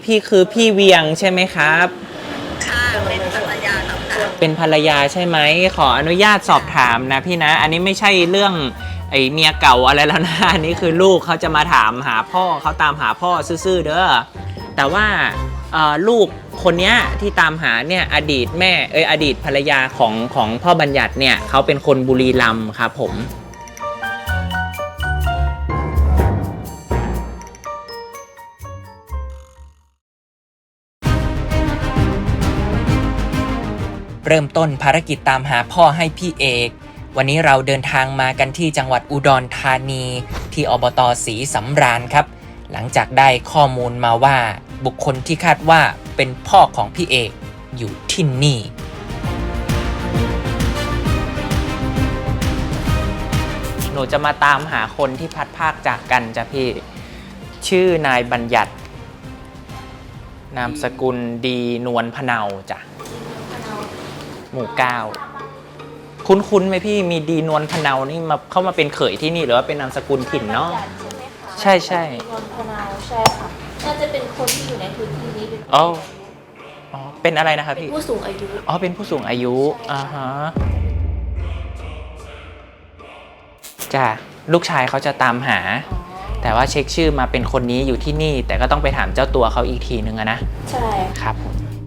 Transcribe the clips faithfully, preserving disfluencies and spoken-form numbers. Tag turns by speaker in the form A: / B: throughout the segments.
A: พี่คือพี่เวียงใช่ไหมครับ
B: ค่ะเป็นภรรยาครับค่ะ
A: เป็นภรรยาใช่ไหมขออนุญาตสอบถามนะพี่นะอันนี้ไม่ใช่เรื่องไอเมียเก่าอะไรแล้วนะอันนี้คือลูกเขาจะมาถามหาพ่อเขาตามหาพ่อซื่อๆเด้อแต่ว่าลูกคนนี้ที่ตามหาเนี่ยอดีตแม่เอยอดีตภรรยาของของพ่อบัญญัติเนี่ยเขาเป็นคนบุรีรัมย์ครับผมเริ่มต้นภารกิจตามหาพ่อให้พี่เอกวันนี้เราเดินทางมากันที่จังหวัดอุดรธานีที่อบต.ศรีสำราญครับหลังจากได้ข้อมูลมาว่าบุคคลที่คาดว่าเป็นพ่อของพี่เอกอยู่ที่นี่หนูจะมาตามหาคนที่พัดภาคจากกันจ้ะพี่ชื่อนายบัญญัตินามสกุลดีนวลพะเนาจ้ะหมู่เก้าคุ้นๆไหมพี่มีดีนวลพะเนานี่มาเข้ามาเป็นเขยที่นี่หรือว่าเป็นนามสกุลถิ่นเนาะใช่ใช่
C: นวลพะเนาใช่ค่ะน่าจะเป็นคนที่อยู่ในพื้นที่นี้เป็น
A: อ๋ออ๋อเป็นอะไรนะครับพี่
C: ผู้สูงอายุ
A: อ๋อเป็นผู้สูงอายุอ่าฮะจ้ะลูกชายเขาจะตามหาแต่ว่าเช็คชื่อมาเป็นคนนี้อยู่ที่นี่แต่ก็ต้องไปถามเจ้าตัวเขาอีกทีนึงอะนะ
C: ใช่
A: ครับ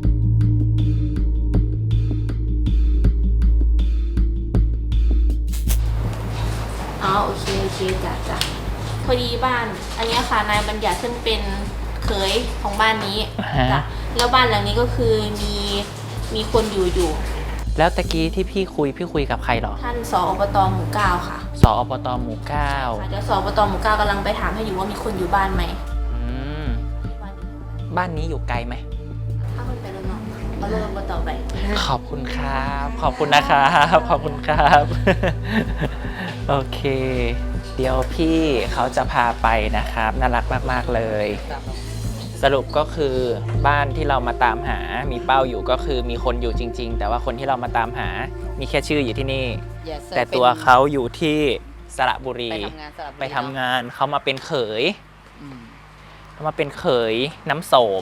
C: อ๋อโอเคโอเคจ้ะจ้ะพอดีบ้านอันนี้ค่ะนายบัญญัติซึ่งเป็นเขยของบ้านนี้จ้ะแล้วบ้านหลังนี้ก็คือมีมีคนอยู่อยู่
A: แล้วตะกี้ที่พี่คุยพี่คุยกับใครหรอ
C: ท่านสอบต.หมู่เก้าค่ะ
A: สอบต.หมู่เก้า
C: เดี๋ยวสอบต.หมู่เก้ากำลังไปถามให้อยู่ว่ามีคนอยู่บ้านไหม
A: อืมบ้านนี้อยู่ไกลไหม
C: ถ้าคนไปแล้วเนาะเอาเรื่องอบต.ไป
A: ขอบคุณครับขอบคุณนะครับขอบคุณครับโอเคเดี๋ยวพี่เขาจะพาไปนะครับน่ารักมากๆเลยสรุปก็คือบ้านที่เรามาตามหามีเป้าอยู่ก็คือมีคนอยู่จริงๆแต่ว่าคนที่เรามาตามหามีแค่ชื่ออยู่ที่นี่ yes, แต่ตัวเขาอยู่ที่สระบุรีไปทำงานเขามาเป็นเขยเขามาเป็นเขยน้ำโสม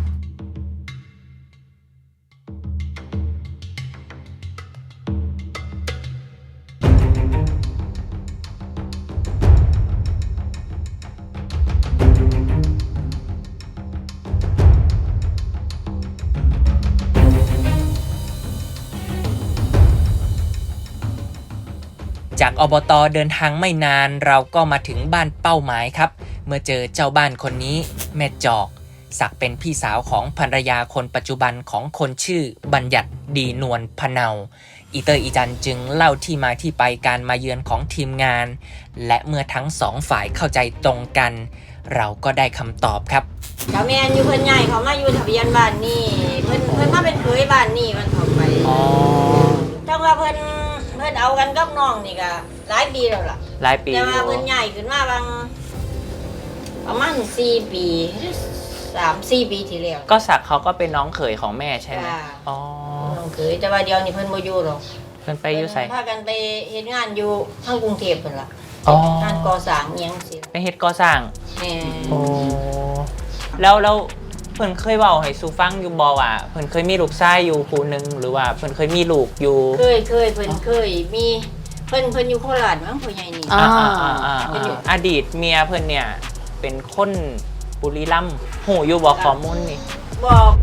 A: จากอบต.เดินทางไม่นานเราก็มาถึงบ้านเป้าหมายครับเมื่อเจอเจ้าบ้านคนนี้แม่จอกสักเป็นพี่สาวของภรรยาคนปัจจุบันของคนชื่อบัญญัติดีนวลพะเนาอีเตอร์อีจันจึงเล่าที่มาที่ไปการมาเยือนของทีมงานและเมื่อทั้งสองฝ่ายเข้าใจตรงกันเราก็ได้คำตอบครับ
D: เจ้าแม่อยู่เพิ่นใหญ่เขามาอยู่ทะเบียนบ้านนี่เพิ่นเพิ่นมาเป็นเคยบ้านนี่มันเข้าไปอ๋อจังว่าเพิ่นเพิ่นเอากันกับน้องนี่ก็หลายปีแล้วล่ะ
A: หลายปี
D: แต่ว่าเพิ่นใหญ่ขึ้นมาบางประมาณสี่ปีสามสี่ปีที่แล้ว
A: ก็สักเขาก็เป็นน้องเขยของแม่ใช่ไหมอ๋อ
D: น้องเขยแต่ว่าเดียวนี่เพิ่นบ่อยู่หรอก
A: เพิ่นไปอยู่ไส
D: พากันไปเฮ็ดงานอยู่ทางกรุงเทพเพิ่นล่ะอ๋องานก่อสร้างอีหยังสิ
A: ไปเฮ็ดก่อสร้าง
D: แม่
A: โอ้แล้วแล้วเพิ่นเคยเว้าให้สู่ฟังอยู่บ่ว่าเพิ่นเคยมีลูกชายอยู่ผู้นึงหรือว่าเพิ่นเคยมีลูกอยู่
D: เคยเคยเพิ่นเคยมีเพิ่นเพิ่นอยู่โคราชมั้งพ่อใหญ่นี่
A: อ่าๆๆอดีตเมียเพิ่นเนี่ยเป็นคนบุรีรัมย์หูอยู่บ่ข้อมูลนี่
D: บอก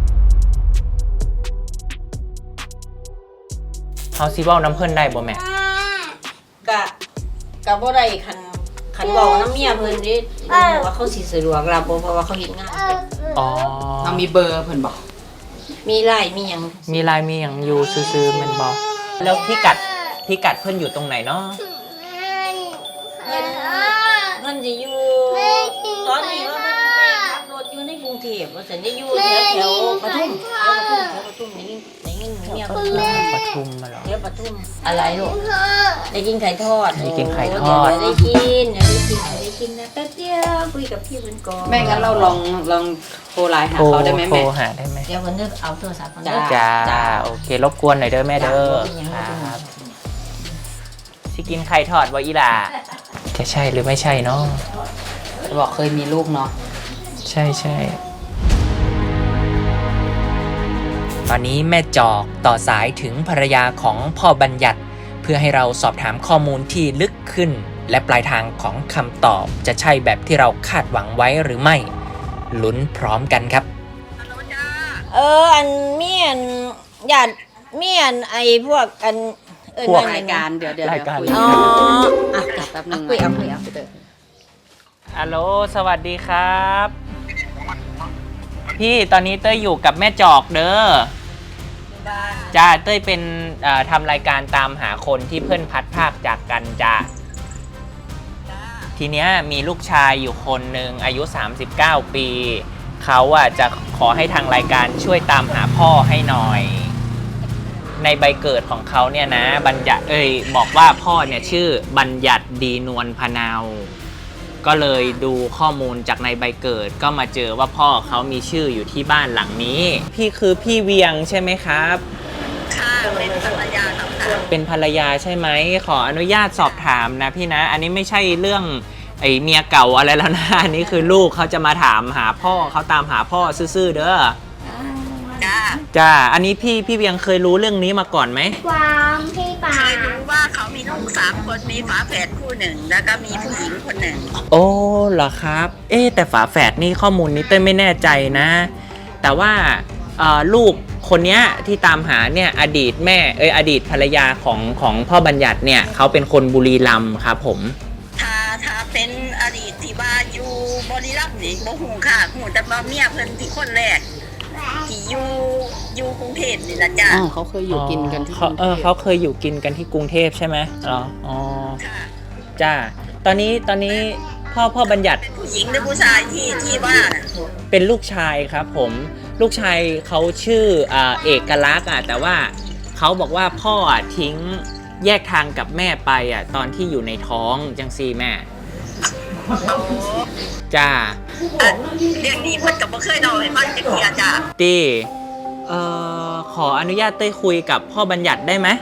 A: เฮาสิเว้านำเพิ่นได้บ่แม่
D: กะกะบ่ได้คันคันเว้านำเมียเพิ่นดิบ่รู้ว่าเขาสิสะดวกรับบ่เพราะว่าเขาเฮ็ดงาน
A: อ๋อ
E: เรามีเบอร์เพิ่นบ่
D: มีไลน์มีหยัง
A: มีไลน์มีหยังอยู่ซื่อๆแม่นบ่แล้วพิกัดพิกัดเพิ่นอยู่ตรงไหนเนาะ
D: เพิ่นเพิ่นสิอยู่ตอนนี้ว่าเพิ่นไปขับรถอยู่ในกรุงเทพว่าซั่นได้อยู่แถวแถวปทุมแถวปทุมแถวปทุมได้ยินได้ยินเมียเพิ่น
A: ปทุมมาเหรอ
D: แถวปทุมอะไรลูกได้กินไข่ทอด
A: ได้กินไข่ทอด
D: ได้กินได้กินได้กินนะแป๊บเดียวคุยกับพี่เพิ่นก่อน
E: แม่งั้นเราลองลองโทรไลน์หาเขาได้มั้ยแม่
A: โทรหาได้มั้ย
D: เดี๋ยวเพิ่นจะเอาโทรศัพท์เพิ่น
A: จ้าโอเครบกวนหน่อยเด้อแม่เด้อครับสิกินไข่ทอดบ่อีหล่าจะใช่หรือไม่ใช่เนาะ
E: บอกเคยมีลูกเนาะ
A: ใช่ใช่อนนี้แม่จอกต่อสายถึงภรรยาของพ่อบัญญัติเพื่อให้เราสอบถามข้อมูลที่ลึกขึ้นและปลายทางของคำตอบจะใช่แบบที่เราคาดหวังไว้หรือไม่ลุ้นพร้อมกันครับ
D: เอออันเมียนญาติเมียนไอ้พวกอันเออ
A: พวก
D: นั่น
E: ราย
D: น่ะ
E: การเดี๋ยวเดี๋ยว
A: รายการ
E: คุย
D: อ๋ออ่ะ
E: แป๊บนึง
D: คุยเอาคุยเอา
A: ฮัลโหลสวัสดีครับ พี่ตอนนี้เต้ยอยู่กับแม่จอกเด้อจ้าเต้ยเป็นเอ่อทำรายการตามหาคนที่เพื่อนพัดภาคจากกันจ้าทีเนี้ยมีลูกชายอยู่คนหนึ่งอายุสามสิบเก้าปีเขาอ่ะจะขอให้ทางรายการช่วยตามหาพ่อให้หน่อย ในใบเกิดของเขาเนี่ยนะบัญญัติเอ้ยบอกว่าพ่อเนี่ยชื่อบัญญัติดีนวลพะเนาก็เลยดูข้อมูลจากในใบเกิดก็มาเจอว่าพ่อเขามีชื่ออยู่ที่บ้านหลังนี้พี่คือพี่เวียงใช่ไหมครับ
B: ค่ะเป็นภรรยาสำคัญ
A: เป็นภรรยาใช่ไหมขออนุญาตสอบถามนะพี่นะอันนี้ไม่ใช่เรื่องไอ้เมียเก่าอะไรแล้วนะอันนี้คือลูกเขาจะมาถามหาพ่อเขาตามหาพ่อซื่อๆเด้อ
B: จ้า
A: จ้าอันนี้พี่พี่เวียงเคยรู้เรื่องนี้มาก่อนไหม
F: ความพี่ปา
B: เคยรู้ว่าเขามีลูกสามคนมีฝาแฝดคู่หนึ่ง แล้วก็มีผู้หญิงคนหนึ่ง
A: โอ้เหรอครับ เอ๊ะแต่ฝาแฝดนี่ข้อมูลนี้เต้ยไม่แน่ใจนะ แต่ว่าเอ่อลูกคนเนี้ยที่ตามหาเนี่ยอดีตแม่เอ้ยอดีตภรรยาของของพ่อบัญญัติเนี่ยเขาเป็นคนบุรีรัมย์ครับผม
B: ถ้าถ้าเป็นอดีตที่ว่าอยู่บริรัมย์นี่บ่หูค่ะหูแต่ว่าเมียเพิ่นที่คนแรกที่อยู่อยู่กรุงเทพนี่นะจ้า
E: อ๋อเขาเคยอยู่กินกันที่ก
A: เขา
E: รุง
A: เอ
E: เท
A: อ
E: พ
A: เขาเคยอยู่กินกันที่กรุงเทพใช่ไหมอ๋ออ๋อ
B: ค่ะ
A: จ้าตอนนี้ตอนนี้พ่อพ่อบัญญัติ
B: เป็นผู้หญิงหรือผู้ชายที่ที่ว่าน่ะ
A: เป็นลูกชายครับผมลูกชายเขาชื่ออ่าเอกลักษณ์อ่ะแต่ว่าเขาบอกว่าพ่ออ่ะทิ้งแยกทางกับแม่ไปอ่ะตอนที่อยู่ในท้องจังซีแม่
B: โอ้
A: จ้า
B: อ่ะเรื่องนี้เพิ่นก็บ่เคยเล่าให้ฟังจักเที่ยจ้า
A: ตีเอ่อขออนุญาตเต้ยคุยกับพ่อบัญญัติได้ไหม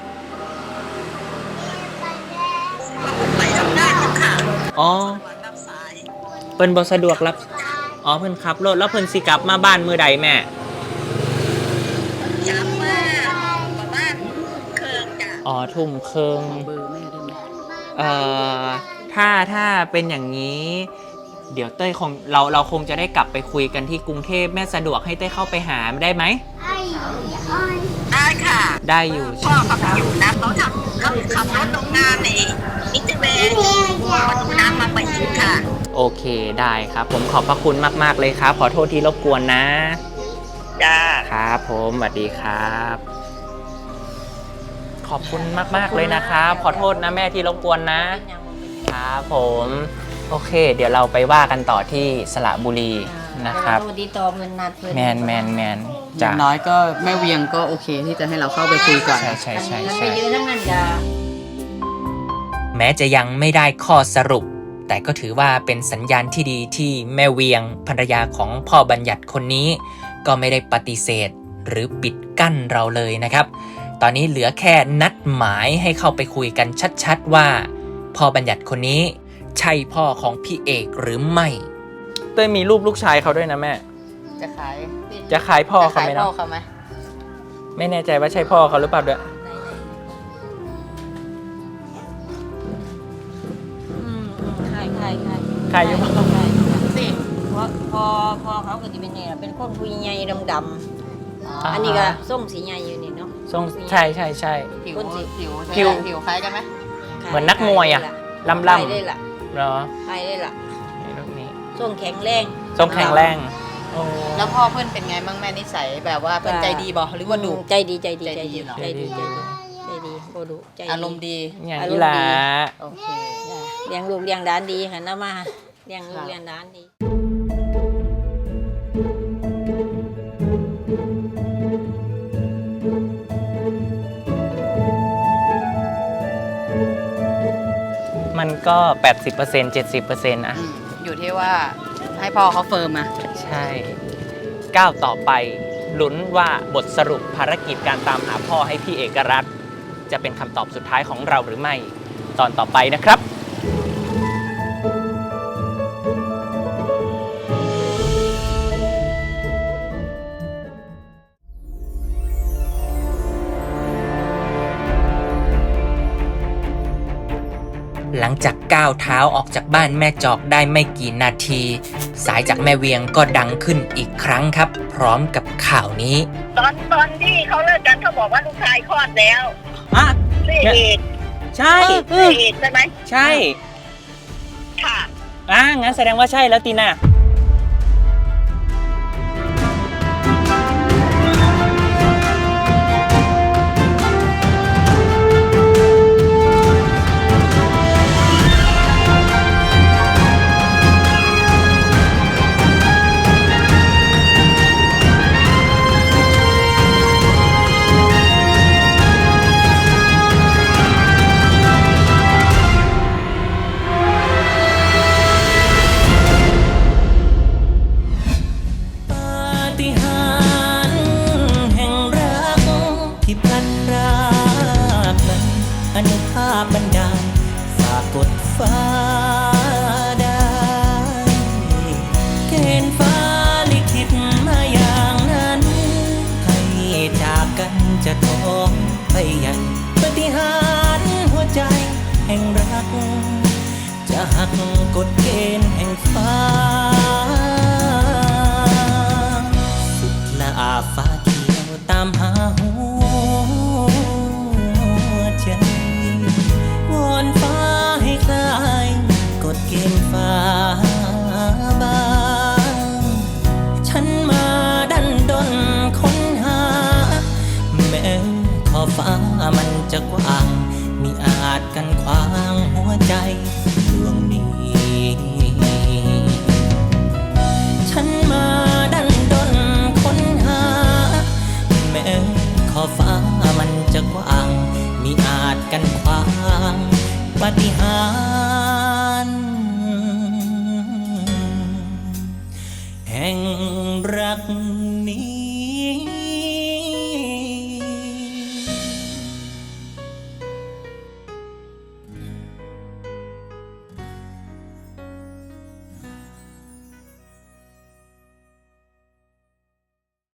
B: ไปทำงานอยู่ค่ะ
A: อ๋อ
B: รับสาย
A: เพิ่นบ่สะดวกรับอ๋อเพิ่นขับรถแล้วเพิ่นสิกลับมาบ้านมื้อใดแม่
B: ย้ำว่าประมาณเครื่องจ้า
A: อ๋อทุ่มครึ่ง
E: เบอร์แม่ได้ไหม
A: เอ่อถ้าถ้าเป็นอย่างนี้ เดี๋ยวเต้ยคงเราเราคงจะได้กลับไปคุยกันที่กรุงเทพแม่สะดวกให้เต้ยเข้าไปหาได้ไหม
F: ไอ้อ้อย
B: ได้ค่ะ
A: ได้อยู่
B: พ่อเขาอยู่นะเขาทำเขาขับรถโรงงานในนิติเวชประตูน้ำมาไปยิงค่ะ
A: โอเคได้ครับ ผมขอบพระคุณมากๆเลยครับ ขอโทษที่รบกวนนะ
B: จ้า
A: ครับผมสวัสดีครับ ขอบคุณมากๆเลยนะครับ ขอโทษนะแม่ที่รบกวนนะ ครับผมโอเค เดี๋ยวเราไปว่ากันต่อที่สระบุรีนะครับ
D: สวัสดีต่อเพิ่นนัดเพิ่น
A: แมนแมนแมน
E: อ
A: จ้ะ
E: ย่างน้อยก็แม่เวียงก็โอเคที่จะให้เราเข้าไปคุยก่อน
A: ใช่ใช่ใช่
D: มันไป
A: ใช่
D: ยืนทั้งนั้นจ้า
A: แม้จะยังไม่ได้ข้อสรุป แต่ก็ถือว่าเป็นสัญญาณที่ดีที่แม่เวียงภรรยาของพ่อบัญญัติคนนี้ ก็ไม่ได้ปฏิเสธหรือปิดกั้นเราเลยนะครับ ตอนนี้เหลือแค่นัดหมายให้เข้าไปคุยกันชัดๆว่าพ่อบัญญัติคนนี้ใช่พ่อของพี่เอกหรือไม่เต้ยมีรูปลูกชายเขาด้วยนะแม่
E: จะขาย
A: จะขายพ่อ
E: จะ
A: เขา
E: ขาย
A: ไหม
E: พ่อ
A: เนาะ
E: เขาไหม
A: ไม่แน่ใจว่าใช่พ่อเขาหรือเปล่าด้วย
D: อืมใครใครใคร
A: ขายอยู่
D: ใครสิเพราะพอพอเขาก็จะเป็นเนี่ยเป็นคนผู้ใหญ่ดำๆอันนี้ก็ส้มสีใหญ่อยู่นี่เนาะ
A: ทรงใช่ใช่ใช่
E: ผิว
D: คนสิ
E: ผิว
A: ผิว
E: ผิวคล้ายกันไหม
A: เหมือนนักมวยอะ ล่ำ
D: ใคร
A: ๆ
D: ได้ล่ะ
A: เหรอ
D: ใครได้ล่ะ
A: นี่รูปนี้
D: ส้มแข็งแรง
A: ส้มแข็งแรงโอ้
E: แล้วพ่อเพื่อนเป็นไงบ้างแม่นิสัยแบบว่าเป็นใจดีบ่หรือว่าดุ
D: ใจดีใจดี
E: ใจ
D: ใจ
E: ดี
D: ดี
E: เหรอ
D: ใจดีใจดีใจดีบ่ดุใจดี
E: อารมณ์ดี
A: อย่าง
D: อารมณ์
A: นี้แหละ
D: ดี
E: โอเค
D: จ้ะเลี้ยงลูกเลี้ยงด้านดีค่ะนะมาเลี้ยงลู
E: ครั
D: ก
E: บ
D: เลี้ยงด้านดี
A: มันก็ แปดสิบเปอร์เซ็นต์ เจ็ดสิบเปอร์เซ็นต์ อะ
E: อืมอยู่ที่ว่าให้พ่อเขาเฟิร์มมา
A: ใช่ก้าวต่อไปลุ้นว่าบทสรุปภารกิจการตามหาพ่อให้พี่เอกรัฐจะเป็นคำตอบสุดท้ายของเราหรือไม่ ตอนต่อไปนะครับหลังจากก้าวเท้าออกจากบ้านแม่จอกได้ไม่กี่นาที สายจากแม่เวียงก็ดังขึ้นอีกครั้งครับ พร้อมกับข่าวนี้
B: ตอนตอนที่เขาเลิกกันเขาบอกว่าลูกชายคลอดแล้ว
A: อ่ะ
B: เสียเอก
A: ใช่
B: เสียเอกใช่ไหม
A: ใช่
B: ค่ะ
A: อ่ะงั้นแสดงว่าใช่แล้วตีน่าอนุภาพบันดาลฝากกดฟ้าได้เกณฑ์ฟ้าลิขิตมาอย่างนั้นให้จากกันจะท้องไปใหญ่ปฏิหารย์หัวใจแห่งรักจะหักกฎเกณฑ์แห่งฟ้าสุดละอาฟ้าเขียวตามหาหัวใจวอนฟ้าให้คลายกฎเกณฑ์ฟ้าบางฉันมาดันดนค้นหาแม้ขอบฟ้ามันจะกว้างมิอาจกันขวางหัวใจดวงนี้ฉันมาดันดนค้นหาแม้ขอบฟ้ามันจะกว้างมิอาจกันขวางปาฏิห